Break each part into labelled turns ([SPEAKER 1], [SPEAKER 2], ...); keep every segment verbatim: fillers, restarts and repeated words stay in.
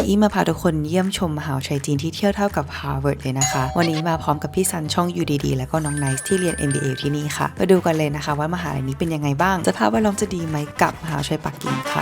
[SPEAKER 1] อี้มาพาทุกคนเยี่ยมชมมหาวิทยาลัยจีนที่เที่ยวเท่ากับ Harvard เลยนะคะวันนี้มาพร้อมกับพี่ซันช่อง ยู ดี ดี แล้วก็น้องไนซ์ที่เรียน เอ็ม บี เอ อยู่ที่นี่ค่ะมาดูกันเลยนะคะว่ามหาวิทยาลัยนี้เป็นยังไงบ้างสภาพแวดล้อมจะดีไหมกับมหาวิทยาลัยปักกิ่งค่ะ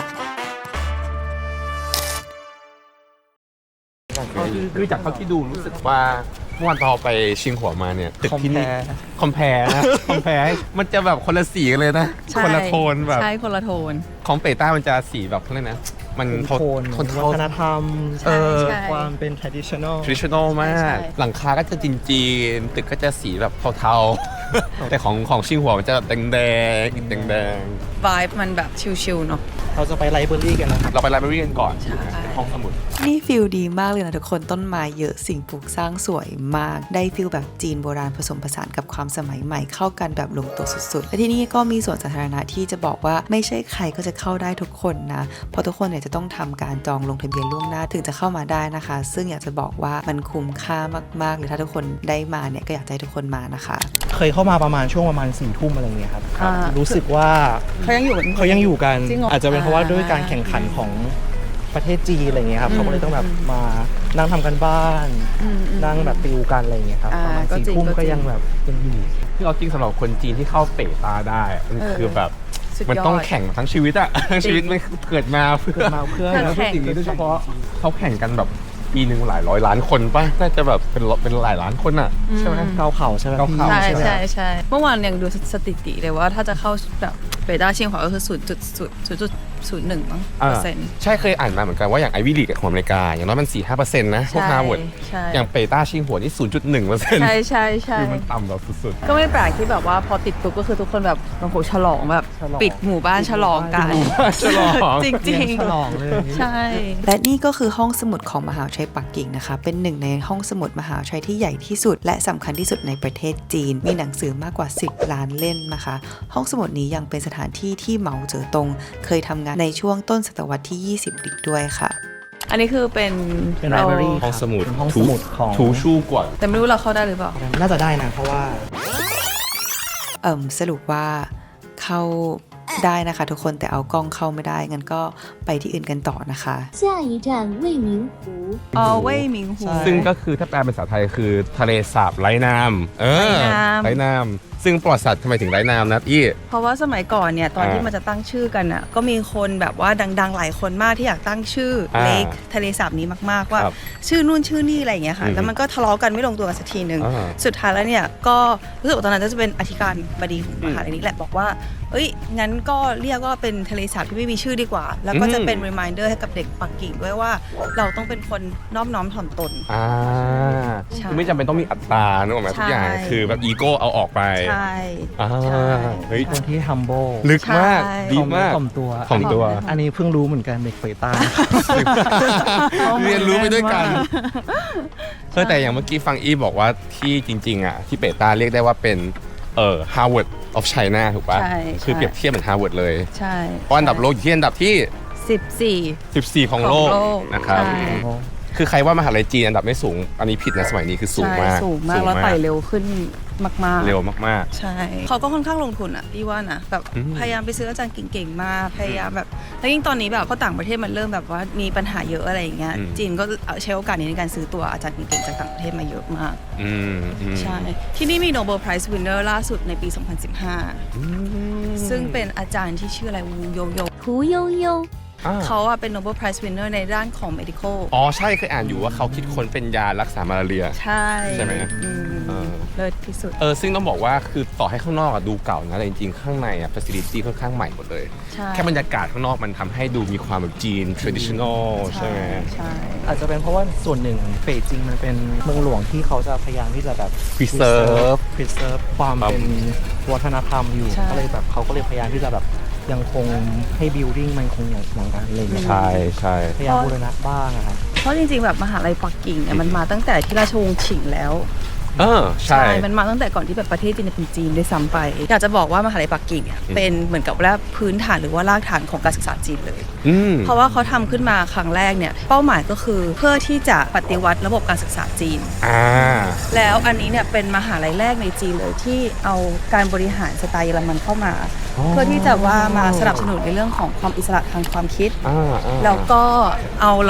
[SPEAKER 2] คือจากเขาที่ดูรู้สึกว่าเมื่อวันเราไปชิงหัวมาเนี่ยตึกที่นี่คอมแพร์นะคอมแพร์มันจะแบบคนละสีกันเลยนะคนละโทนแบบ
[SPEAKER 3] ใช่คนละโทน
[SPEAKER 2] ของเปต้ามันจะสีแบบเขาเรียกนะมัน
[SPEAKER 4] โทนวัฒนธรรมความเป็น traditional
[SPEAKER 2] traditional มากหลังคาก็จะจีนๆตึกก็จะสีแบบเทาๆแต่ของของชิงหัวมันจะแดงแดงแดงแดง
[SPEAKER 3] vibe มันแบบชิลๆเนาะ
[SPEAKER 4] เราจะไปไลบรารีกันนะครับ
[SPEAKER 2] เราไปไลบรารีกันก่อนห้องสมุด
[SPEAKER 1] นี่ฟิลดีมากเลยนะทุกคนต้นไม้เยอะสิ่งปลูกสร้างสวยมากได้ฟิลแบบจีนโบราณผสมผสานกับความสมัยใหม่เข้ากันแบบลงตัวสุดๆและที่นี่ก็มีสวนสาธารณะที่จะบอกว่าไม่ใช่ใครก็จะเข้าได้ทุกคนนะเพราะทุกคนเนี่ยจะต้องทำการจองลงทะเบียนล่วงหน้าถึงจะเข้ามาได้นะคะซึ่งอยากจะบอกว่ามันคุ้มค่ามากๆเลยถ้าทุกคนได้มาเนี่ยก็อยากให้ทุกคนมานะคะ
[SPEAKER 4] เคยเข้ามาประมาณช่วงประมาณสี่ทุ่มอะไรเงี้ยครับรู้สึกว่า
[SPEAKER 3] เขายังอยู่
[SPEAKER 4] เขายังอยู่กันอาจจะเป็นเพราะว่าด้วยการแข่งขันของประเทศจีนอะไรเงี้ยครับเขาก็เลยต้องแบบมานั่งทำกันบ้านนั่งแบบติวกันอะไรเงี้ยครับประมาณสี่ทุ่มก็ยังแบบยังอยู่
[SPEAKER 2] ที่เราจริงสำหรับคนจีนที่เข้าเปต้าได้มันคือแบบมันต้องแข่งทั้งชีวิตอะทั้งชีวิตมันเกิดมาเพื่อ
[SPEAKER 4] มาเพื่อ
[SPEAKER 2] แล้วสิ่งนี้โดยเฉพาะเขาแข่งกันแบบปีหนึ่งหลายร้อยล้านคนป่ะน่าจะแบบเป็นเป็นหลายล้านคนอะใช่ไหม
[SPEAKER 4] เกาเข่าใช่ไหม
[SPEAKER 2] เกาเข่า
[SPEAKER 3] ใช่ใช่ใช่เมื่อวานยังดูสถิติเลยว่าถ้าจะเข้าแบบเปต้าชิงหัวก็คือศูนย์จุดศูนย์จุดศูนย์หนึ่งมั้งเปอร์เซ็นต์
[SPEAKER 2] ใช่เคยอ่านมาเหมือนกันว่าอย่างไอวี่ลีกของอเมริกาอย่างน้อยมันสี่ห้าเปอร์เซ็นต์นะพวกฮาร์วาร์ดอย่างเปต้าชิงหัวนี่ศูนย์จุดหนึ่งเปอร์เซ็นต์
[SPEAKER 3] ใช่ใช่ใช่
[SPEAKER 2] คือมันต่ำแบบสุด
[SPEAKER 3] ๆก็ไม่แปลกที่แบบว่าพอติดปุ๊บก็คือทุกคนแบบโอ้โหฉลองแบบปิดหมู่บ้านฉลองกัน
[SPEAKER 2] ฉลอง
[SPEAKER 3] จริง
[SPEAKER 4] ๆฉลองเลย
[SPEAKER 3] ใช่
[SPEAKER 1] และนี่ก็คือห้องสมุดของมหาวิทยาลัยปักกิ่งนะคะเป็นหนึ่งในห้องสมุดมหาวิทยาลัยที่ใหญ่ที่สุดและสำคัญที่สุดในประเทศจีนมีหนังสือมากกว่าสิบล้านเล่มนะคะห้องสมุดนี้ยังเป็นสถานที่ที่เหมาเจ๋อตงเคยทำงานในช่วงต้นศตวรรษที่ยี่สิบอีกด้วยค่ะ
[SPEAKER 3] อันนี้คือเป็น
[SPEAKER 4] เป็นไลบรารี
[SPEAKER 2] ห้องสมุด
[SPEAKER 4] ห้องสมุดของ
[SPEAKER 2] ทูชูกว่า
[SPEAKER 3] แต่ไม่รู้เราเข้าได้หรือเปล่า
[SPEAKER 4] น่าจะได้นะเพราะว่า
[SPEAKER 1] เอิ่มสรุปว่าเข้าได้นะคะทุกคนแต่เอากล้องเข้าไม่ได้งั้นก็ไปที่อื่นกันต่อนะคะ
[SPEAKER 5] 下一站未名湖
[SPEAKER 3] อ๋อเว่ยหมิงหู
[SPEAKER 2] ซึ่งก็คือถ้าแปลเป็นภาษาไทยคือทะเลสาบไร้น้ำเออไร้น้ำซึ่งประวัติศาสตร์ทำไมถึงไร้น้ำนะอี้
[SPEAKER 3] เพราะว่าสมัยก่อนเนี่ยตอนที่มันจะตั้งชื่อกันอ่ะก็มีคนแบบว่าดังๆหลายคนมากที่อยากตั้งชื่อเลคทะเลสาบนี้มากๆว่าชื่อนู่นชื่อนี่อะไรอย่างเงี้ยค่ะแล้วมันก็ทะเลาะกันไม่ลงตัวกันสักทีนึงสุดท้ายแล้วเนี่ยก็รู้สึกว่าตอนนั้นจะเป็นอธิการบดีของมหาลัยนี้แหละบอกว่าเอ้ยงั้นก็เรียกว่าเป็นทะเลสาบที่ไม่มีชื่อดีกว่าแล้วก็จะเป็น reminder ให้กับเด็กปักกิ่งด้วยว่าเราต้องเป็นคนนอบน้อมถ่อมตน
[SPEAKER 2] อ่าไม่จำเป็นต้องมีอัตตานึกออกไหมทุกอย่างคือแบบอีโก้เอาออกไป
[SPEAKER 3] ใช่
[SPEAKER 2] เฮ้ย
[SPEAKER 4] คนที่ humble
[SPEAKER 2] ลึกมากดีมาก
[SPEAKER 4] ถ่อมตัว
[SPEAKER 2] ถ่อมตัว
[SPEAKER 4] อันนี้เพิ่งรู้เหมือนกันเด็กเปต้า
[SPEAKER 2] เรียนรู้ไปด้วยกันเออแต่อย่างเมื่อกี้ฟังอีบอกว่าที่จริงๆอ่ะที่เปต้าเรียกได้ว่าเป็นเอ่อ Harvard of China ถูกป่ะคือเปรียบเทียบเหมือน Harvard เลย
[SPEAKER 3] ใช่
[SPEAKER 2] เพราะอันดับโลกอยู่ที่อันดับที่
[SPEAKER 3] สิบสี่
[SPEAKER 2] สิบสี่ของโลกนะครับคือใครว่ามหาลัยจีนอันดับไม่สูงอันนี้ผิดนะสมัยนี้คือสูงมาก
[SPEAKER 3] สูงมากแล้วไต่เร็วขึ้นมากๆ
[SPEAKER 2] เร็วมาก
[SPEAKER 3] ๆใช่เขาก็ค่อนข้างลงทุนอ่ะพี่ว่านะแบบพยายามไปซื้ออาจารย์เก่งๆมาพยายามแบบแล้วยิ่งตอนนี้แบบเขาต่างประเทศมันเริ่มแบบว่ามีปัญหาเยอะอะไรอย่างเงี้ยจีนก็ใช้โอกาสนี้ในการซื้อตัวอาจารย์เก่งๆจากต่างประเทศมาเยอะมากใช่ที่นี่มี Nobel Prize Winner ล่าสุดในปีสองพันสิบห้าซึ่งเป็นอาจารย์ที่ชื่ออะไรวูโยโย
[SPEAKER 5] 胡悠悠
[SPEAKER 3] เขาอะเป็น Nobel Prize Winner ในด้านของ medical
[SPEAKER 2] อ๋อใช่เคยอ่านอยู่ว่าเขาคิดค้นเป็นยารักษามาลาเรีย
[SPEAKER 3] ใช่
[SPEAKER 2] ใช่ไหม
[SPEAKER 3] เลิศที่สุด
[SPEAKER 2] เออซึ่งต้องบอกว่าคือต่อให้ข้างนอกอะดูเก่านะแต่จริงๆข้างในอะ facility ค่อนข้างใหม่หมดเลยแค่บรรยากาศข้างนอกมันทำให้ดูมีความแบบจีน traditional ใช่ไหม
[SPEAKER 3] ใช่
[SPEAKER 4] อาจจะเป็นเพราะว่าส่วนหนึ่งเป่ยจิงมันเป็นเมืองหลวงที่เขาจะพยายามที่จะแบบ
[SPEAKER 2] preserve
[SPEAKER 4] preserve ความเป็นวัฒนธรรมอยู่ก็เลยแบบเขาก็เลยพยายามที่จะแบบยังคงให้ building มันคงอย่างกันอะไรอย่างเงี้ย
[SPEAKER 2] ใช่ใช่
[SPEAKER 4] พยายามบูรณะบ้างอะครับ
[SPEAKER 3] เพราะจริงๆแบบมหาลัยปักกิ่งเนี่ยมันมาตั้งแต่ที่ราชวงศ์ฉิงแล้ว
[SPEAKER 2] เออใช่
[SPEAKER 3] มันมาตั้งแต่ก่อนที่แบบประเทศจีนเป็นจีนด้วยซ้ำไปอยากจะบอกว่ามหาลัยปักกิ่งเนี่ยเป็นเหมือนกับว่าพื้นฐานหรือว่ารากฐานของการศึกษาจีนเลยเพราะว่าเขาทำขึ้นมาครั้งแรกเนี่ยเป้าหมายก็คือเพื่อที่จะปฏิวัติระบบการศึกษาจีนแล้วอันนี้เนี่ยเป็นมหาลัยแรกในจีนเลยที่เอาการบริหารสไตล์เยอรมันเข้ามาเพื่อที่จะว่ามาสนับสนุนในเรื่องของความอิสระทางความคิดแล้วก็เอาระบบ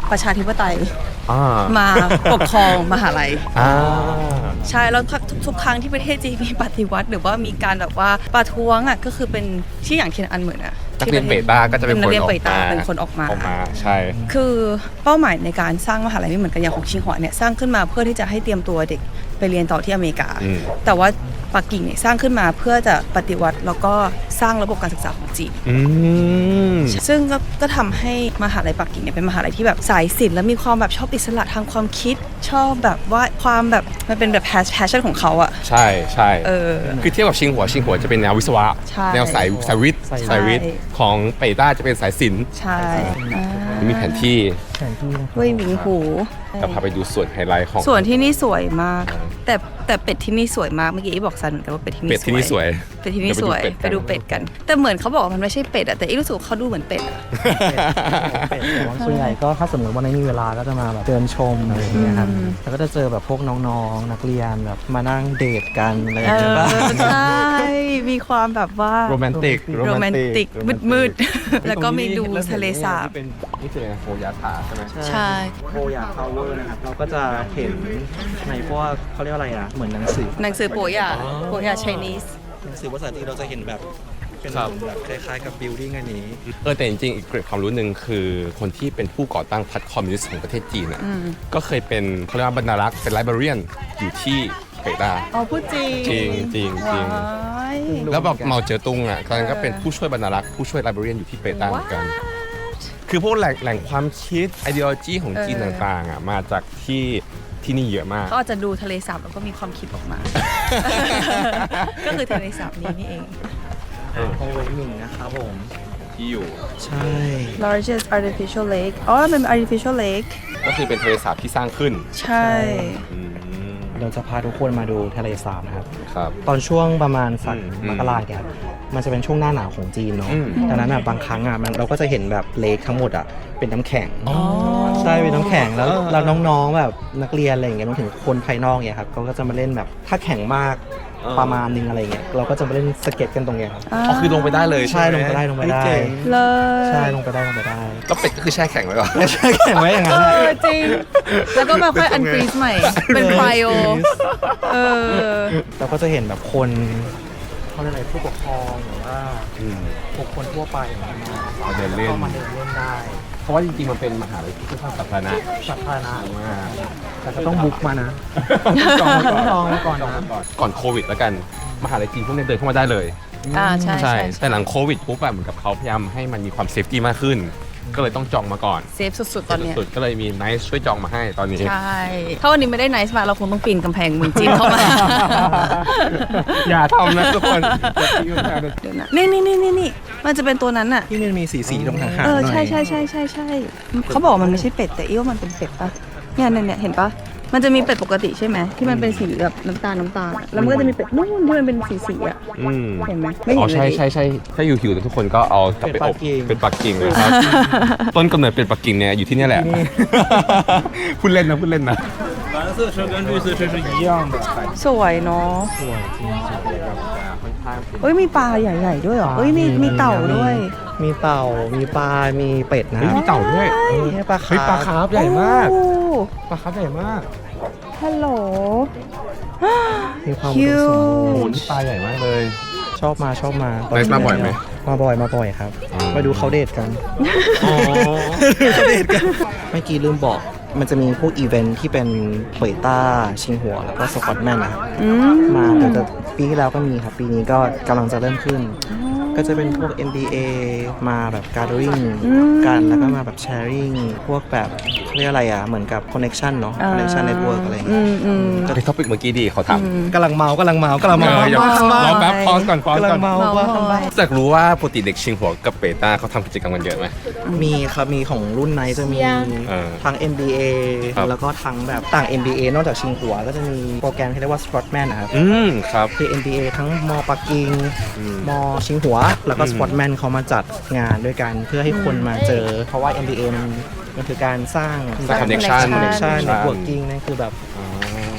[SPEAKER 3] ประชาธิปไตย
[SPEAKER 2] อ่า
[SPEAKER 3] มาปกครองมหาลัย
[SPEAKER 2] อ่า
[SPEAKER 3] ใช่แล้วทุกทุกครั้งที่ประเทศจีนมีปฏิวัติหรือว่ามีการแบบว่าประท้วงอ่ะก็คือเป็นที่อย่างเทียนอันเหมือนอ่ะ
[SPEAKER 2] นักเรียนเปต้าก็จะเป็น
[SPEAKER 3] นั
[SPEAKER 2] ค
[SPEAKER 3] ก
[SPEAKER 2] น
[SPEAKER 3] เรียน
[SPEAKER 2] ออก
[SPEAKER 3] เปต้า
[SPEAKER 2] มา
[SPEAKER 3] เป็นคนออกมา
[SPEAKER 2] ออกมาใช่
[SPEAKER 3] คือเป้าหมายในการสร้างมหาลัยไม่เหมือนกันอย่างของชิงหัวเนี่ยสร้างขึ้นมาเพื่อที่จะให้เตรียมตัวเด็กไปเรียนต่อที่อเมริกา
[SPEAKER 2] อืม
[SPEAKER 3] แต่ว่าปักกิ่งเนี่ยสร้างขึ้นมาเพื่อจะปฏิวัติแล้วก็สร้างระบบการศึกษาของจีน
[SPEAKER 2] อืม
[SPEAKER 3] ซึ่งก็ก็ทำให้มหาลัยปักกิ่งเนี่ยเป็นมหาลัยที่แบบสายศิลป์และมีความแบบชอบอิสระทางความคิด ชอบแบบว่าความแบบมันเป็นแบบแพชชั่นของเขาอะ
[SPEAKER 2] ใช่ใช่
[SPEAKER 3] เออ
[SPEAKER 2] คือเทียบกับชิงหัวชิงหัวจะเป็นแนววิศวะ
[SPEAKER 3] ใช่
[SPEAKER 2] แนวสายสายวิทย์
[SPEAKER 4] ใช่
[SPEAKER 2] สายวิทย์ของเปต้าจะเป็นสายศิลป์
[SPEAKER 3] ใช่อ่า
[SPEAKER 2] มีแผนที่
[SPEAKER 4] แผนที่นะครับ
[SPEAKER 3] เว่ยหมิงหู
[SPEAKER 2] กับพาไปดูส่วนไฮไลท์ของ
[SPEAKER 3] ส่วนที่นี่สวยมาก แต่แต่เป็ดที่นี่สวยมากเมื่อกี้อีบอกซันเหมือนกันว่าเป็ดที่นี่
[SPEAKER 2] เป็ดที่นี่สวย
[SPEAKER 3] เป็ดที่นี่สวย
[SPEAKER 2] เดี๋ยว
[SPEAKER 3] ไปดูเป็ดกัน แต่เหมือนเขาบอกว่ามันไม่ใช่เป็ดอะแต่อีรู้สึกว่าเขาดูเหมือนเป็ดอะ
[SPEAKER 4] เป็ดแต่ว่าส่วนใหญ่ก็ถ้าสมมติว่าไม่มีเวลาก็จะมาแบบเดินชมอะไรอย่างเงี้ยครับ
[SPEAKER 3] อืม
[SPEAKER 4] แล้วก็จะเจอแบบพวกน้องๆนักเรียนแบบมานั่งเดทกันอะไรอ
[SPEAKER 3] เอย่าง
[SPEAKER 4] เงี้ย
[SPEAKER 3] อ
[SPEAKER 4] บ้าง
[SPEAKER 3] ใช่มีความแบบว่า
[SPEAKER 2] โรแมนติก
[SPEAKER 3] โรแมนติกมืดๆแล้วก็มีดูทะเลสาบ
[SPEAKER 2] เป็นนี่คืออะไรนะโฮยาทาใช่ไหม
[SPEAKER 3] ใช่
[SPEAKER 4] โคยาพาวเวอร์นะครับเราก็จะเห็นในพวกเขาเรียกว่าอะไรอ่ะเหมือนหนังสือ
[SPEAKER 3] หนังสือโปยาโปยา Chinese
[SPEAKER 4] หนังสือภาษาจีนเราจะเห็นแบบเป็น
[SPEAKER 2] ครับ
[SPEAKER 4] แบบคล้ายๆกับบิลดิ้งอันนี้
[SPEAKER 2] เออแต่จริงๆอีกเกร็ดความรู้หนึ่งคือคนที่เป็นผู้ก่อตั้งพรรคคอมมิวนิสต์ของประเทศจีนอ่ะ
[SPEAKER 3] อืม
[SPEAKER 2] ก็เคยเป็นเขาเรียกว่าบรรณารักษ์เป็นไลบรารียนอยู่ที่เปต้า
[SPEAKER 3] อ๋อพูดจริง
[SPEAKER 2] จริงจริงจริง
[SPEAKER 3] ว้าย
[SPEAKER 2] แล้วแบบเหมาเจ๋อตุงอ่ะตอนนั้นก็เป็นผู้ช่วยบรรณารักษ์ผู้ช่วยไลบรารียนอยู่ที่เปต้าเหมือนกัน คือพวกแหล่งแหล่งความคิด ideology ของจีนต่างๆอ่ะมาจากที่ที่นี่เยอะมาก
[SPEAKER 3] เขาอาจจะดูทะเลสาบแล้วก็มีความคิดออกมา ก็คือทะเลสาบนี้นี่เอง
[SPEAKER 4] โอเวหมิงนะครับผม
[SPEAKER 2] ที่อยู่
[SPEAKER 4] ใช่
[SPEAKER 3] largest artificial lake อ๋อมันเป็น artificial lake
[SPEAKER 2] ก็คือเป็นทะเลสาบที่สร้างขึ้น
[SPEAKER 3] ใช่
[SPEAKER 2] อืม
[SPEAKER 4] เราจะพาทุกคนมาดูทะเลสาบนะครับ
[SPEAKER 2] ครับ
[SPEAKER 4] ตอนช่วงประมาณสัก
[SPEAKER 2] อืม
[SPEAKER 4] มกราเนี่ยมันจะเป็นช่วงหน้าหนาวของจีนเนาะ
[SPEAKER 2] อืม
[SPEAKER 4] ดังนั้นอ่ะบางครั้งอ่ะมันเราก็จะเห็นแบบเลคทั้งหมดอ่ะเป็นน้ำแข็งใช่เป็นน้ำแข็งแล้วแล้วน้องๆแบบนักเรียนอะไรอย่างเงี้ยรวมถึงคนภายนอกเนี่ยครับเขาก็จะมาเล่นแบบถ้าแข็งมากประมาณนึงอะไรเงี้ยเราก็จะมาเล่นสเก็ตกันตรงเนี้ยครับ
[SPEAKER 2] อ๋อคือลงไปได้เลย
[SPEAKER 4] ใช่
[SPEAKER 2] ใช่หม
[SPEAKER 4] ลงไปได้ลงไปได้
[SPEAKER 2] เจ๋ง
[SPEAKER 3] เลย
[SPEAKER 4] ใช่ลงไปได้ลงไปได้
[SPEAKER 2] แล้วเป็ดก็คือแช่แข็งไว้ก่อน
[SPEAKER 4] ไม่ใช่แข็งไว้อย่างนั้น
[SPEAKER 3] เอ
[SPEAKER 4] แหละ
[SPEAKER 3] อจริง แล้วก็มาค่อยอันฟรีซใหม่ เป็น cryo เออ
[SPEAKER 4] เราก็จะเห็นแบบคนเขาเรียกอะไรผู้ปกครองหรือว่า
[SPEAKER 2] อืม
[SPEAKER 4] บุคคลทั่วไปมา
[SPEAKER 2] มาเดินเล่น
[SPEAKER 4] ก็มาเดินเล่นได้
[SPEAKER 2] เพราะว่าจริงๆมันเป็นมหาลัยที่ค่อนข้างสาธารณะ
[SPEAKER 4] สาธารณะ
[SPEAKER 2] มาก
[SPEAKER 4] แต่ก็ต้องบุ๊กมานะ
[SPEAKER 2] จอง
[SPEAKER 4] ต้องจองไว้ก่อน
[SPEAKER 2] จอง
[SPEAKER 4] นะ
[SPEAKER 2] ไว้ก่อนก่อนโควิดแล้วกันมหาลัยจีนพวกนี้เดินเข้ามาได้เลย
[SPEAKER 3] อ่าใช่ใช่
[SPEAKER 2] แต่หลังโควิดปุ๊บแบบเหมือนกับเขาพยายามให้มันมีความเซฟตี้มากขึ้น ก็เลยต้องจองมาก่อน
[SPEAKER 3] เซฟสุดๆ ตอนเนี้ย
[SPEAKER 2] สุดๆก็เลยมีไนซ์ช่วยจองมาให้ตอนนี้
[SPEAKER 3] ใช่ ถ้าวันนี้ไม่ได้ไนซ์มาเราคงต้องปีนกำแพงเมืองจีนเข้ามา
[SPEAKER 2] อย่าทำนะทุกคน
[SPEAKER 3] เดี๋ยวนะนี่นี่นี่นี่นี่มันจะเป็นตัวนั้นอะ
[SPEAKER 4] ที่มันมีสีสีๆตรงหางๆหน่
[SPEAKER 3] เอ
[SPEAKER 4] อย
[SPEAKER 3] อใช่ใช่ใช่ใช่ใช่เขาบอกว่ามันไม่ใช่เป็ดแต่อีว่ามันเป็นเป็ดปะเนี่ยเนี่ยเนี่ยเห็นปะมันจะมีเป็ดปกติใช่ไหมที่มันเป็นสีแบบน้ำตาลน้ำตาลอะแล้วมันก็จะมีเป็ดนู่นที่มันเป็นสีสีๆอะ
[SPEAKER 2] อืม
[SPEAKER 3] เห็นไหมไม่
[SPEAKER 2] อ๋
[SPEAKER 3] เห็
[SPEAKER 2] อน
[SPEAKER 3] เล
[SPEAKER 2] ใช่
[SPEAKER 3] ย
[SPEAKER 2] ใช่ใช่ถ้าอยู่หิวๆทุกคนก็เอากลับไปอบเป็นปักกิ่งนะครับ ต้นกำเนิดเป็นปักกิ่งเนี่ยอยู่ที่เนี่ยแหละ พูดเล่นนะพูดเล่นนะ
[SPEAKER 6] 蓝色车跟绿色车是一样的海
[SPEAKER 3] สวยเนาะ
[SPEAKER 4] สวยจริง
[SPEAKER 3] เอ้ยมีปลาใหญ่ๆด้วยเหรอเอ้ยมีมีเต่าด้วย
[SPEAKER 4] มีเต่ามีปลา มีเป็ดนะ
[SPEAKER 2] เฮ้ยมีเต่าด้วย
[SPEAKER 4] เออปลา
[SPEAKER 2] เฮ้ยปลา
[SPEAKER 4] คา
[SPEAKER 2] คา
[SPEAKER 4] ร์ฟ
[SPEAKER 2] ร์ฟใหญ่มาก
[SPEAKER 3] โอ้
[SPEAKER 2] ปลาคาร์ฟใหญ่มาก
[SPEAKER 3] ฮัลโหล
[SPEAKER 4] มีความ
[SPEAKER 3] คิ
[SPEAKER 4] อุดม
[SPEAKER 3] ว
[SPEAKER 4] สมบู
[SPEAKER 2] โอ้โห
[SPEAKER 4] รณ์
[SPEAKER 2] นี่ปลาใหญ่มากเลย
[SPEAKER 4] ชอบมาชอบมา
[SPEAKER 2] ไนซ์มาบ่อยไหม
[SPEAKER 4] มาบ่อยมาบ่อยครับ
[SPEAKER 2] อืม
[SPEAKER 4] มาดูเขาเดทกัน
[SPEAKER 2] อ๋อ
[SPEAKER 4] เดทกันเมื่อกี้ลืมบอกมันจะมีพวกอีเวนท์ที่เป็นเผยต้าชิงหัวแล้วก็สกอตแมนนะครับ
[SPEAKER 3] อืม
[SPEAKER 4] มาเดี๋ยวจะปีที่แล้วก็มีครับ ปีนี้ก็กำลังจะเริ่มขึ้น ก็จะเป็นพวก เอ็ม บี เอ มาแบบ gathering กันแล้วก็มาแบบ sharing พวกแบบเขาเรียกอะไรอ่ะ เหมือนกับ connection เนาะ connection network อะไรอย่าง
[SPEAKER 3] อื
[SPEAKER 4] เงี้ย
[SPEAKER 3] มอืม
[SPEAKER 2] ในท็อปิกเมื่อกี้ดีเขาทำ
[SPEAKER 4] กำลังเมากำลังเมากำลังเมา
[SPEAKER 2] เอออย่า
[SPEAKER 4] ว่างมาก
[SPEAKER 2] รอแป๊บพอสก่อนพอส
[SPEAKER 4] กำลั
[SPEAKER 2] ก่อง น
[SPEAKER 4] เมา
[SPEAKER 3] เมา
[SPEAKER 4] ว่า
[SPEAKER 3] เมา
[SPEAKER 2] อยากรู้ว่าปกติเด็กชิงหัวกับเปต้าเขาทำกิจกรรมกันเยอะไหม
[SPEAKER 4] มีครับมีของรุ่นไหนจะมี
[SPEAKER 2] เออ
[SPEAKER 4] ทั้ง เอ็ม บี เอ
[SPEAKER 2] ครับ
[SPEAKER 4] แล้วก็ทั้งแบบต่าง เอ็ม บี เอ นอกจากชิงหัวก็จะมีโปรแกรมที่เรียกว่า Sportman นะครับ
[SPEAKER 2] อืมครับ
[SPEAKER 4] คือ เอ็ม บี เอ ทั้งมอปักกิ่ง
[SPEAKER 2] อืม
[SPEAKER 4] มอชิงหัว แล้วก็
[SPEAKER 2] อืม
[SPEAKER 4] Sportman เขามาจัดงานด้วยกันเพื่อให้คนมาเจอ เพราะว่า เอ็ม บี เอ มันมันคือการสร้าง
[SPEAKER 2] สร้าง connection
[SPEAKER 4] connection
[SPEAKER 2] connection
[SPEAKER 4] networking นั่นคือแบบ
[SPEAKER 2] อ๋อ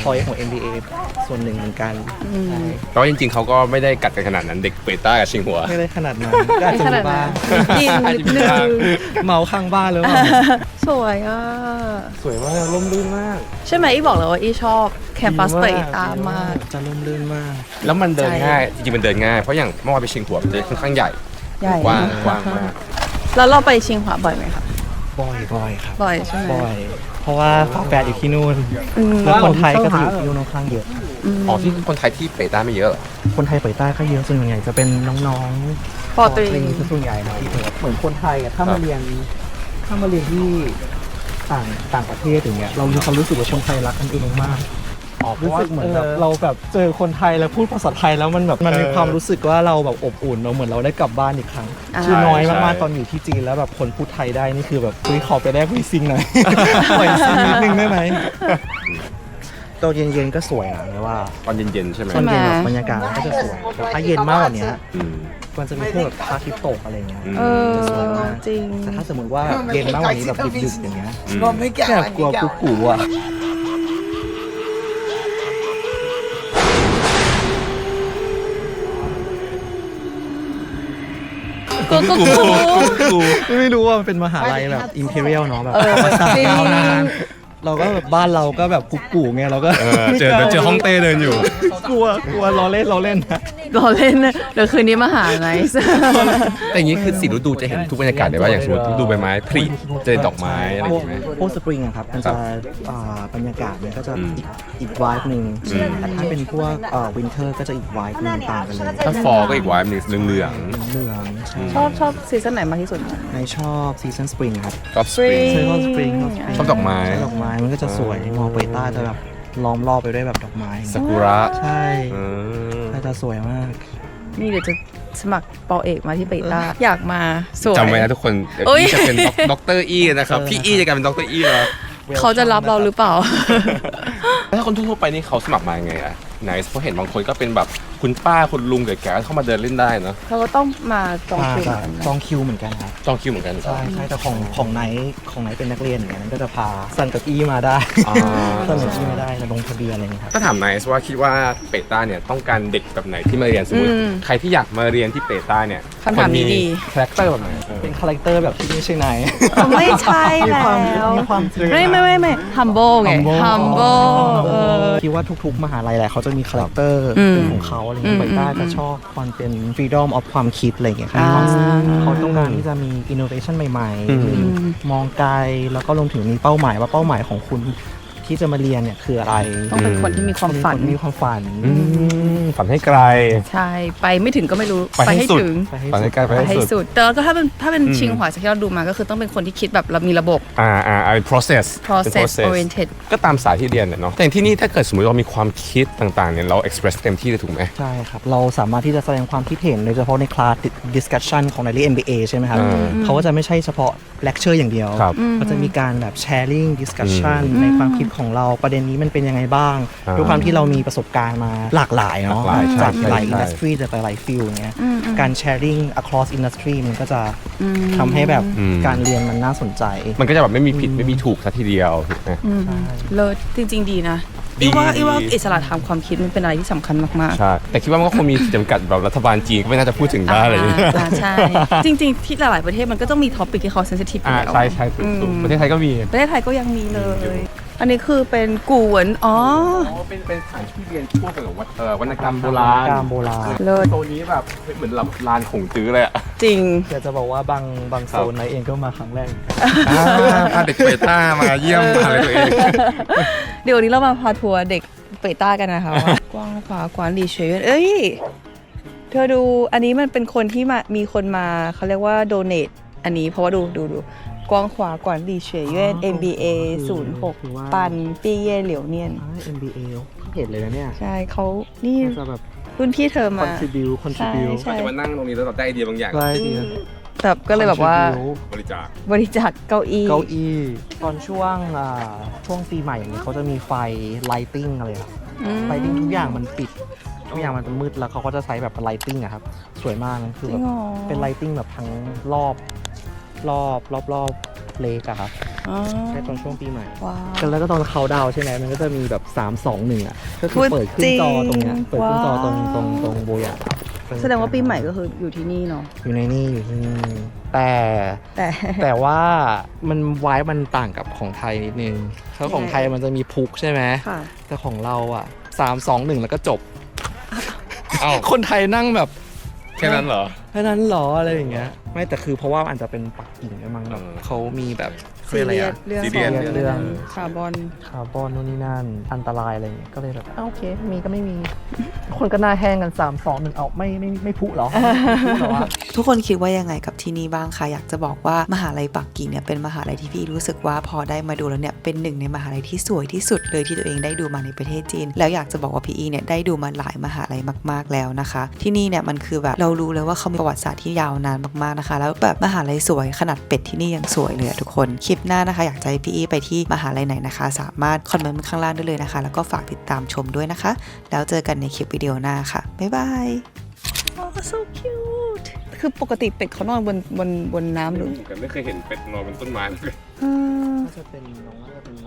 [SPEAKER 4] point ของ เอ็ม บี เอ ส่วนหนึ่งเหมือนกัน
[SPEAKER 2] แต่ว่าจริงๆเขาก็ไม่ได้กัดกันขนาดนั้นเด็กเปต้ากับชิงหัว
[SPEAKER 4] ไม่ได้ขนาดนั้นก็อาจจะมีบ้าง
[SPEAKER 3] ยิงนิดนึง
[SPEAKER 4] เมาข้างบ้านหรือเปล่า
[SPEAKER 3] สวยอ่ะ
[SPEAKER 4] สวยมากร่มรื่นมาก
[SPEAKER 3] ใช่ไหมอีบอกเลยว่าอีชอบแคมปัสเปตามาก
[SPEAKER 4] จะร่มรื่นมาก
[SPEAKER 2] แล้วมันเดินง่ายจริงๆมันเดินง่ายเพราะอย่างเมื่อวานไปชิงหัวมันจะค่อนข้างใหญ่
[SPEAKER 3] ใหญ่
[SPEAKER 2] กว้างกว้างมาก
[SPEAKER 3] แล้วเราไปชิงหวาบ่อยไหมคะ
[SPEAKER 4] บ่อยบ่อยครับ
[SPEAKER 3] บ่อยใช่ไหม
[SPEAKER 4] บ่อย เพราะว่าฝาแฝดอยู่ที่นู่น
[SPEAKER 3] อืม
[SPEAKER 4] แล้วคนไทยก็อยู่ที่นู่นค่อนข้างเยอะ
[SPEAKER 2] อ๋อที่คนไทยที่เปต้าไม่เยอะเหรอ
[SPEAKER 4] คนไทยไปใต้ก็เยอะส่วนใหญ่จะเป็นน้องๆ
[SPEAKER 3] ปอตรี
[SPEAKER 4] ซะส่วนใหญ่นะที่เหมือนคนไทยอะถ้ามาเรียนถ้ามาเรียนที่ต่างต่างประเทศอย่างเงี้ยเรามีความรู้สึกว่าคนไทยรักกันเองมากรู้สึกเหมือนแบบเราแบบเจอคนไทยแล้วพูดภาษาไทยแล้วมันแบบมันมีความรู้สึกว่าเราแบบอบอุ่นเราเหมือนเราได้กลับบ้านอีกครั้งคือน้อยมากๆตอนอยู่ที่จีนแล้วแบบคนพูดไทยได้นี่คือแบบคุยขอไปได้คุยซิงหน่อย ปล่อยซิงนิดนึงได้ไหมตอนเย็นๆก็สวยนะเนี่ยว่า
[SPEAKER 2] ตอนเย็นๆใช่ไหม
[SPEAKER 4] ตอนเย็นแบบบรรยากาศมันก็จะสวยแต่ถ้าเย็นมากกว่านี้
[SPEAKER 2] อืม
[SPEAKER 4] มันจะมีพวกแบบพระอาทิตย์ตกอะไรเงี้ย
[SPEAKER 3] เออ
[SPEAKER 4] จะสวยมาก
[SPEAKER 3] จริง
[SPEAKER 4] แต่ถ้าสมมติว่าเย็นมากกว่านี้แบบดึกๆอย่างเงี้ย
[SPEAKER 2] อืม
[SPEAKER 4] แบบกลัวกุ๊กกูอ่ะ
[SPEAKER 3] กูกูกู
[SPEAKER 4] ไม่รู้ว่ามันเป็นมหาลัยแบบอิมพีเรียลเนาะแบบ
[SPEAKER 3] เออ
[SPEAKER 4] ประวัติศาสตร์
[SPEAKER 3] จริง
[SPEAKER 4] ยาวนานเราก็แบบบ้านเราก็แบบกุ๊กกูไงเราก็
[SPEAKER 2] เออเจอเจอห้องเต้เดินอยู่
[SPEAKER 4] กลัวกลัวล้อเล่นล้อเล่นนะ
[SPEAKER 3] รอเล่นนะเดี๋ยวคืนนี้มาหาไนซ์
[SPEAKER 2] แต่อย่างนี้คือสี่ฤดูจะเห็นทุกบรรยากาศเลยว่าอย่างสมมติฤดูใบไม้ผลิเจอดอกไม้อะไรอย่างเงี้ย
[SPEAKER 4] พวกสปริงอะครับมันจะอ่าบรรยากาศมันก็จะ
[SPEAKER 2] อืม
[SPEAKER 4] อีกอีกวายหนึ่ง
[SPEAKER 2] อืม
[SPEAKER 4] แต่ถ้าเป็นพวกวินเทอร์ก็จะอีกวายหนึ่งต่างกันเลย
[SPEAKER 2] ถ้าฟอก็อีกวายหนึ่งเหลือง
[SPEAKER 4] เหลืองใช่
[SPEAKER 3] ชอบชอบซีซั่นไหนมากที่สุด
[SPEAKER 4] ในชอบซีซันสปริงครับ
[SPEAKER 2] ๆชอบสปริง
[SPEAKER 4] ใช่ชอบสปริง
[SPEAKER 2] ชอบดอกไม้
[SPEAKER 4] ชอบดอกไม้มันก็จะสวยมองไปใต้จะแบบล้อมรอบไปด้วยแบบดอกไม้
[SPEAKER 2] ซากุระ
[SPEAKER 4] ใช่
[SPEAKER 2] อืม
[SPEAKER 4] ก็จะสวยมาก
[SPEAKER 3] นี่เดี๋ยวจะสมัครปอเอกมาที่เบต้าอยากมาสวย
[SPEAKER 2] จำไว้นะทุกคนเดี๋ยว
[SPEAKER 3] เอ้ย
[SPEAKER 2] พี่จะเป็นด็อกเตอร์อีนะครับ พี่อีจะกลายเป็นด็อกเตอร์อีแล้ว
[SPEAKER 3] เขาจะรับเราหรือเปล่า
[SPEAKER 2] แล้วถ้าคนทั่วๆไปนี่เขาสมัครมายังไงอะไนซ์เพราะเห็นบางคนก็เป็นแบบคุณป้าคุณลุงแก่ๆเข้ามาเดินเล่นได้เนอะ
[SPEAKER 3] เขาก็ต้องมาจองคิว
[SPEAKER 4] จะ
[SPEAKER 3] เหมือนกันนะ
[SPEAKER 4] จองคิวเหมือนกันครับ
[SPEAKER 2] จองคิวเหมือนกันเหรอ
[SPEAKER 4] ใช่ใช่แต่ของของไหนของไหนเป็นนักเรียนอย่างนั้นก็จะพาสั่งเกับอี้มาได้
[SPEAKER 2] อ่า
[SPEAKER 4] สั่งเกับอี้มาได้แล้วลงทะเบียนอะไรอย่างเงี้ยครับ
[SPEAKER 2] ก็ถามไนซ์ว่าคิดว่าเปต้าเนี่ยต้องการเด็กแบบไหนที่มาเรียนสมมติ
[SPEAKER 3] อืม
[SPEAKER 2] ใครที่อยากมาเรียนที่เปต้าเนี่ย
[SPEAKER 3] คำถามนี้ดี
[SPEAKER 2] คาแรคเตอร์แบบไหนเออ
[SPEAKER 4] เป็นคาแรคเตอร์แบบที่ไม่ใช่นาย
[SPEAKER 3] ไม่ใช่แล้ว
[SPEAKER 4] มีความ
[SPEAKER 3] ไม่ไม่ไม่ไม่ humble ไง humble เออ
[SPEAKER 4] คิดว่าทุกๆ มหาลัยแหละเขาจะมีคาแรคเตอร์
[SPEAKER 3] อืม
[SPEAKER 4] เป็นของเขาอะไรเงี้
[SPEAKER 3] อื
[SPEAKER 4] ย
[SPEAKER 3] ม
[SPEAKER 4] ไปต้า
[SPEAKER 3] อืม
[SPEAKER 4] จะชอบความเป็น freedom of ความคิดอะไรเงี้ยครับ
[SPEAKER 3] อ่า
[SPEAKER 4] เขาต้องการที่จะมี innovation ใหม่
[SPEAKER 2] อืม
[SPEAKER 4] ๆมีมองไกลแล้วก็รวมถึงมีเป้าหมายว่าเป้าหมายของคุณที่จะมาเรียนเนี่ยคืออะไร
[SPEAKER 3] ต้องเป็นคนที่มีความฝัน
[SPEAKER 4] มีความฝัน
[SPEAKER 2] อืมฝันให้ไกล
[SPEAKER 3] ใช่ ไปไม่ถึงก็ไม่รู้
[SPEAKER 2] ไปให้สุด
[SPEAKER 3] ถึง
[SPEAKER 2] ฝันให้ไกลไป
[SPEAKER 3] ไป
[SPEAKER 2] ให้
[SPEAKER 3] ให้
[SPEAKER 2] สุด
[SPEAKER 3] สุด แต่ก็ถ้าเป็นถ้าเป็น
[SPEAKER 2] อืม
[SPEAKER 3] ชิงหวาจากที่เราดูมาก็คือต้องเป็นคนที่คิดแบบเรามีระบบ
[SPEAKER 2] อ่าอ่าเป็น process เป็น
[SPEAKER 3] process oriented
[SPEAKER 2] ก็ตามสายที่เรียนเนี่ยเนาะแต่อย่างที่นี่ถ้าเกิดสมมติเรามีความคิดต่างๆเนี่ยเรา express เต็มที่เลยถูกไหม
[SPEAKER 4] ใช่ครับ เราสามารถที่จะแสดงความคิดเห็นโดยเฉพาะในคลาส discussion ของในเรียน เอ็ม บี เอ ใช่ไหมครับ
[SPEAKER 2] อืม
[SPEAKER 4] เขาก็จะไม่ใช่เฉพาะ lecture อย่างเดียว
[SPEAKER 2] ครับ
[SPEAKER 4] ก็จะมีการแบบ sharing discussion ในความคิดของเราประเด็นนี้มันเป็นยังไงบ้าง
[SPEAKER 2] อ่า
[SPEAKER 4] ด้วยความที่เรามีประสบการณ์มาหลากหลายเนาะ
[SPEAKER 2] หลากหลายใช่
[SPEAKER 4] จากหลาย
[SPEAKER 2] ใช่
[SPEAKER 4] industry จากหลายฟิลอย่างเงี้ย
[SPEAKER 3] อืมอืม
[SPEAKER 4] การ sharing across industry มันก็จะ
[SPEAKER 3] อืม
[SPEAKER 4] ทำให้แบบ
[SPEAKER 2] อืม
[SPEAKER 4] การเรียนมันน่าสนใจ
[SPEAKER 2] มันก็จะแบบไม่มีผิดไม่มีถูกซะทีเดียวถูกไหม
[SPEAKER 3] อืมเลิศจริง ๆ ดีนะ
[SPEAKER 2] ดี
[SPEAKER 3] อีว่า
[SPEAKER 2] ดี
[SPEAKER 3] อีว่าอิสระทางความคิดมันเป็นอะไรที่สำคัญมากๆ
[SPEAKER 2] ใช่แต่คิดว่ามันก็คงมีขีดจำกัดแบบรัฐบาลจีนก็ไม่น่าจะพูดถึงได้อะไรอย่างเงี้ย
[SPEAKER 3] อ่าใช่ จริง ๆ ที่หลายๆประเทศมันก็ต้องมีท็อปิกที่เขาเซนซิทีฟอ
[SPEAKER 2] อ่า
[SPEAKER 3] ยู่แล้ว
[SPEAKER 2] ใช่ใช่ถูกถูก
[SPEAKER 3] อืม
[SPEAKER 2] ประเทศไทยก็มี
[SPEAKER 3] ประเทศไทยก็ยังมีเลย อันนี้คือเป็นกูเหวินอ๋อ
[SPEAKER 2] เป็นเป็นสถานที่เรียนพวกแบบว่าเอ่อวรรณกรรมโบราณ
[SPEAKER 4] วรรณกรรมโบราณ
[SPEAKER 3] เลิศ
[SPEAKER 2] โซนนี้แบบเหมือนแบบลานขงจื้อเลยอะ
[SPEAKER 3] จริง
[SPEAKER 4] อยากจะบอกว่าบางบางโซนไหนเองก็มาครั้งแรก
[SPEAKER 2] อ่าพาเด็กเปต้ามาเยี่ยมมหาเลยตัวเอง
[SPEAKER 3] เดี๋ยววันนี้เรามาพาทัวร์เด็กเปต้ากันนะคะว่ากว้างขวากวานหลีเฉยเอ้ย เธอดูอันนี้มันเป็นคนที่มามีคนมาเขาเรียกว่าโดเนทอันนี้เพราะว่าดูดูดูกว้างขวากวานหลีเฉยเย่น เอ็ม บี เอ ศูนย์หก
[SPEAKER 4] คือว่า
[SPEAKER 3] ปันปีเย่เหลียวเนียน
[SPEAKER 4] เอ็ม บี เอ เห็นเลยนะเนี่ย
[SPEAKER 3] ใช่เขานี่
[SPEAKER 4] จะแบบ
[SPEAKER 3] รุ่นพี่เธอมา
[SPEAKER 4] contribute contribute
[SPEAKER 3] ใช่
[SPEAKER 2] ก็จะมานั่งตรงนี้แล้วเราได้ไอเดียบางอย่าง
[SPEAKER 4] ใช่ดี
[SPEAKER 3] แบบก็เลยแบบว่า
[SPEAKER 2] บริจาค
[SPEAKER 3] บริจาคเก้าอี้
[SPEAKER 4] เก้าอี้ตอนช่วงอ่าช่วงปีใหม่อย่างนี้เขาจะมีไฟ lighting อะไรครับ
[SPEAKER 3] อืม
[SPEAKER 4] lighting ทุกอย่างมันปิด ทุกอย่างมันจะมืดแล้วเขาก็จะใช้แบบ lighting อะครับ สวยมากนะคือ
[SPEAKER 3] จ
[SPEAKER 4] แบ
[SPEAKER 3] ริ
[SPEAKER 4] บ
[SPEAKER 3] งเหรอ
[SPEAKER 4] เป็น lighting แบบทั้งรอบรอบรอบรอบเลกอะครับ
[SPEAKER 3] อ๋อ
[SPEAKER 4] แค่ตอนช่วงปีใหม่
[SPEAKER 3] ว้าว
[SPEAKER 4] แล้วก็ตอนเขาดาวน์ใช่ไหมมันก็จะมีแบบสาม สอง หนึ่งอ่ะก็คื
[SPEAKER 3] พู
[SPEAKER 4] อ
[SPEAKER 3] ด
[SPEAKER 4] เปิดขึ้นจอตรงเนี้ย
[SPEAKER 3] จริง
[SPEAKER 4] เปิดขึ้นจอตรง
[SPEAKER 3] ว้าว
[SPEAKER 4] ตรงตรงโบยะ
[SPEAKER 3] แสดงว่าปีใหม่ก็คืออยู่ที่นี่เนาะ
[SPEAKER 4] อยู่ในนี่อยู่ที่นี่แต่
[SPEAKER 3] แต่
[SPEAKER 4] แต่ว่ามันไว้มันต่างกับของไทยนิดนึงเพราะของไทยมันจะมีพุกใช่ไหม
[SPEAKER 3] ค่ะ
[SPEAKER 4] แต่ของเราอ่ะสาม สอง หนึ่งแล้วก็จบ
[SPEAKER 2] เอ้า
[SPEAKER 4] คนไทยนั่งแบบ
[SPEAKER 2] แค่นั้นเหรอ
[SPEAKER 4] แค่นั้นเหรออะไรอย่างเงี้ยไม่แต่คือเพราะว่าอาจจะเป็นปักกิ่งด้วยมั้งแบบ
[SPEAKER 2] เออ
[SPEAKER 4] เขามีแบบ
[SPEAKER 3] ซีเรียส
[SPEAKER 4] เรื่อง
[SPEAKER 3] เรื่อง
[SPEAKER 2] ซี
[SPEAKER 3] ของ
[SPEAKER 2] เรียส
[SPEAKER 4] เรื่อง
[SPEAKER 3] คาร์บอน
[SPEAKER 4] คาร์บอนนู่นนี่นั่นอันตรายอะไรอย่างเงี้ยก็เลยแบบอ้าวโอเค มีก็ไม่มี คนก็หน้าแห้งกันสาม สอง หนึ่งเอาไม่ไม่ไม่พุเหรอไม่พุเหรอวะ
[SPEAKER 1] ทุกคนคิดว่ายังไงกับที่นี่บ้างคะอยากจะบอกว่ามหาลัยปักกิ่งเนี่ยเป็นมหาลัยที่พี่รู้สึกว่าพอได้มาดูแล้วเนี่ยเป็นหนึ่งในมหาลัยที่สวยที่สุดเลยที่ตัวเองได้ดูมาในประเทศจีนแล้วอยากจะบอกว่าพี่อีเนี่ยได้ดูมาหลายมหาลัยมากๆแล้วนะคะ ที่นี่เนี่ยมันคือแบบเรารู้เลยว่าเขามีประวัติศาสตร์ที่ยาวนานมากๆนะคะแล้วแบบมหาลัยสวยขนาดเป็ดที่นี่ยังสวยเลยอะทุกคนคลิปหน้านะคะอยากจะให้พี่อีไปที่มหาลัยไหนนะคะ สามารถคอมเมนต์ข้างล่างได้เลยนะคะแล้วก็ฝากติดตามชมด้วยนะคะแล้วเจอกันในคลิปวิดีโอหน้าค่ะบ๊ายบาย
[SPEAKER 3] โอ้ so cute คือปกติเป็ดเขานอนบนบนบนน้ำหรือ
[SPEAKER 2] แต่ไม่เคยเห็นเป็ดนอนบนต้นไม้เลย
[SPEAKER 3] เออ
[SPEAKER 4] น่าจะเป็นน้องน่าจะเป็น